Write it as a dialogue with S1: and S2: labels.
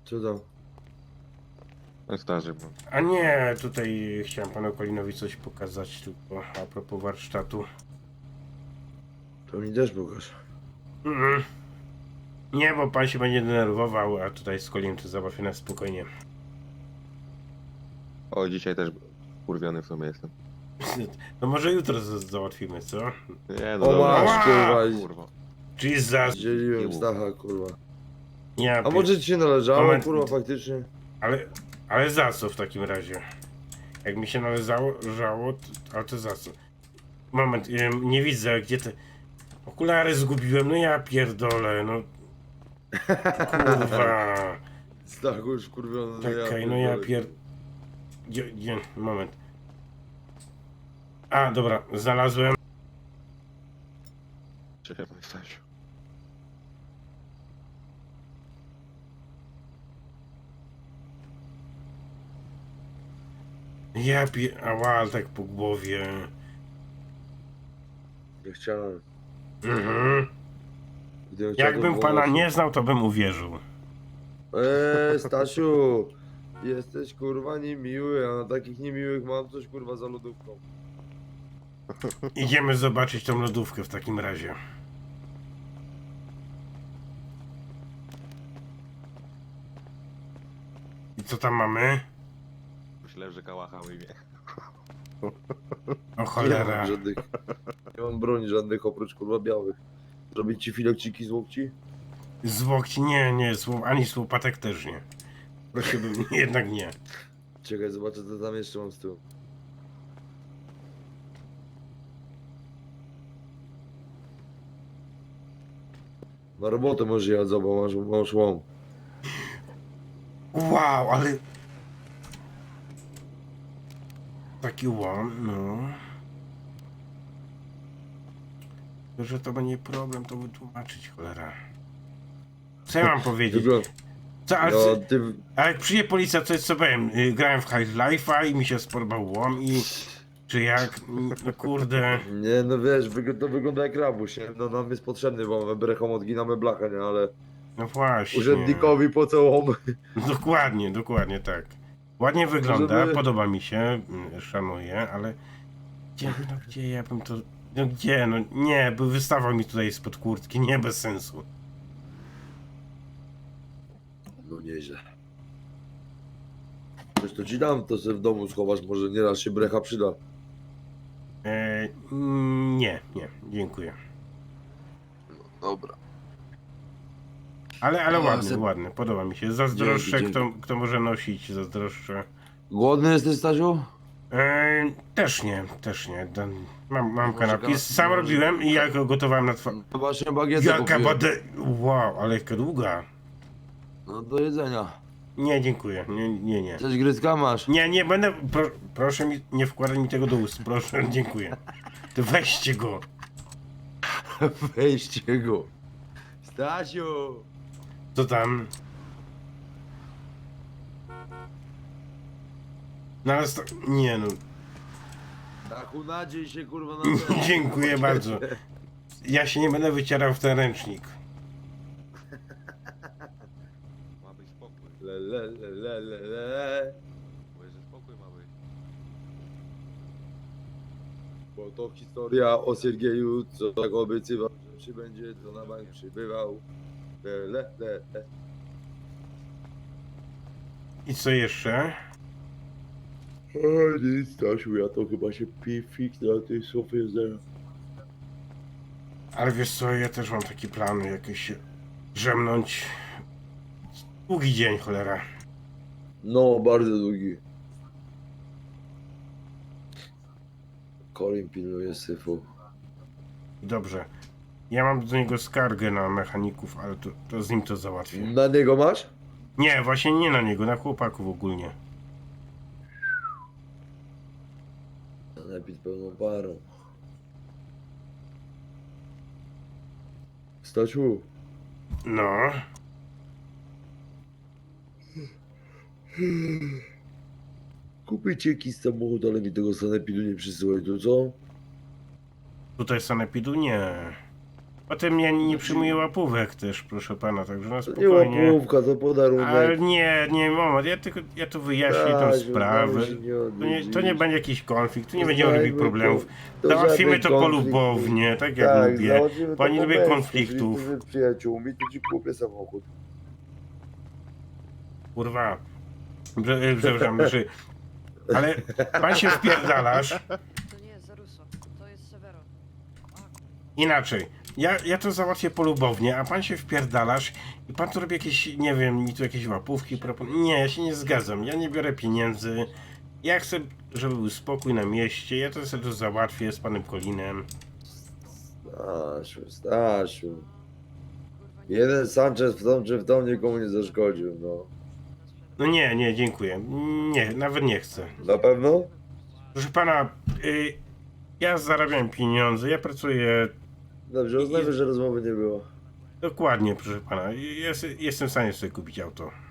S1: Co tam?
S2: Na staży mam.
S3: A nie, tutaj chciałem panu Kolinowi coś pokazać tylko a propos warsztatu.
S1: To mi też pokaż.
S3: Mm. Nie, bo pan się będzie denerwował, a tutaj z Kolinem to załatwię na spokojnie.
S2: O, dzisiaj też kurwiony w sumie jestem.
S3: No może jutro załatwimy, co?
S2: Nie, no
S1: O
S2: dobra.
S1: masz, kurwa.
S2: Kurwa.
S3: Jesus!
S1: Dzieliłem
S2: Nie
S1: Stacha, kurwa.
S3: Ja
S1: A może ci się należało,
S3: Moment.
S1: kurwa, faktycznie?
S3: Ale za co w takim razie? Jak mi się należało, ale to za co? Moment, nie widzę, gdzie te... Okulary zgubiłem, no ja pierdolę, no... Kurwa...
S1: Stachu już kurwiony.
S3: Czekaj, no ja moment. A, dobra, znalazłem.
S2: Czekaj, Stasiu.
S3: Ała, ale tak po głowie.
S1: Nie chciałem.
S3: Mhm.
S1: Gdybym chciał, to
S3: Jakbym
S1: było
S3: pana
S1: mocno.
S3: nie znał, to bym uwierzył.
S1: Stasiu, jesteś kurwa niemiły, a na takich niemiłych mam coś kurwa za lodówką.
S3: Idziemy zobaczyć tą lodówkę w takim razie. I co tam mamy?
S2: Myślałem, że kałacha ujmie.
S3: O
S1: Nie
S3: cholera.
S1: mam żadnych. Nie mam broni żadnych oprócz kurwa białych. Zrobić ci filokciki z łokci?
S3: Z łokci nie, ani z łopatek też nie. Prosiłbym, jednak nie.
S1: Czekaj, zobaczę co tam jeszcze mam z tyłu. Na robotę możesz jechać, zobacz, masz łom.
S3: Wow, ale... Taki łom, no. Że to będzie problem, to wytłumaczyć, cholera. Co ja mam powiedzieć? Co, ale,
S1: No, ty...
S3: a jak przyjdzie policja, to jest co powiem? Grałem w High Life'a i mi się spodobał łom i... Czy jak? No kurde...
S1: Nie, no wiesz, to wygląda jak rabuś, nie? No nam jest potrzebny, bo mamy brechą odginamy blachę, nie? Ale
S3: No właśnie.
S1: urzędnikowi po co łom?
S3: Dokładnie tak. Ładnie wygląda,
S1: Żeby-
S3: podoba mi się, szanuję, ale... Gdzie ja bym to... No gdzie, no nie, by wystawał mi tutaj spod kurtki, nie, bez sensu.
S1: No nieźle. Wiesz, to ci dam, to sobie w domu schowasz, może nieraz się brecha przyda.
S3: Nie, dziękuję.
S1: Dobra.
S3: Ale
S1: A,
S3: ładny, ładny, podoba mi się. Zazdroszczę,
S1: Dzięki,
S3: kto może nosić, zazdroszczę.
S1: Głodny jesteś, Stasiu?
S3: Też nie. Mam
S1: Może
S3: kanapki,
S1: ka-
S3: sam
S1: może-
S3: robiłem i ja go gotowałem na
S1: No właśnie bagietę
S3: Jaka
S1: kupiłem.
S3: bade... Wow, ale jaka długa.
S1: No do jedzenia.
S3: Nie, dziękuję, nie.
S1: Coś gryzka masz?
S3: Nie będę, proszę mi, nie wkładać mi tego do ust, proszę, dziękuję. To weźcie go.
S1: Weźcie go. Stasiu!
S3: Co tam? No ale nie no,
S1: Stachu, nadziej się kurwa na to.
S3: dziękuję bardzo. Ja się nie będę wycierał w ten ręcznik.
S2: Ma być spokój.
S1: Le.
S2: Mówię, że spokój ma być.
S1: Bo to historia o Siergieju, co tak obiecywał, że przybędzie, to na bank przybywał. Le.
S3: I co jeszcze?
S1: O nic, Stasiu, ja to chyba się fix na tej sofie zaraz.
S3: Ale wiesz co, ja też mam taki plan, jakieś się drzemnąć. Długi dzień, cholera.
S1: No, bardzo długi. Colin pilnuje syfu.
S3: Dobrze. Ja mam do niego skargę na mechaników, ale to z nim to załatwię.
S1: Na niego masz?
S3: Nie, właśnie nie na niego, na chłopaków ogólnie.
S1: Napić pełną parą. Stasiu,
S3: No.
S1: kupię ci jakiś samochód, ale mi tego sanepidu nie przysyłaj, to co?
S3: Tutaj sanepidu nie. Potem ja nie przyjmuję łapówek też, proszę pana, także na
S1: To nie
S3: spokojnie.
S1: łapówka, to podarunek.
S3: Ale nie, moment, ja tu wyjaśnię tą
S1: Stasiu,
S3: sprawę.
S1: znamy się
S3: To nie będzie jakiś konflikt, tu nie będziemy
S1: Znajmy
S3: robić problemów.
S1: to
S3: Załatwimy
S1: żaden
S3: to
S1: konflikt.
S3: polubownie, tak jak
S1: Tak,
S3: lubię.
S1: załatwimy to
S3: Pani
S1: po
S3: lubi
S1: męsku.
S3: konfliktów.
S1: Jeżeli ty z przyjaciółmi, to ci kupię samochód.
S3: Kurwa. Przepraszam, ale pan się wpierdalasz.
S4: To nie jest Zaruso, to jest Severo.
S3: Inaczej. Ja to załatwię polubownie, a pan się wpierdalasz i pan tu robi jakieś, nie wiem, mi tu jakieś łapówki proponuje. Nie, ja się nie zgadzam. Ja nie biorę pieniędzy. Ja chcę, żeby był spokój na mieście. Ja to sobie to załatwię z panem Kolinem.
S1: Stasiu.
S4: Kurwa, nie
S1: Jeden Sanchez w tom czy w tom nikomu nie zaszkodził, no.
S3: No nie, dziękuję. Nie, nawet nie chcę.
S1: Na pewno?
S3: Proszę pana, ja zarabiam pieniądze, ja pracuję
S1: Dobrze, uznajmy, że rozmowy nie było.
S3: dokładnie, proszę pana. Jestem w stanie sobie kupić auto.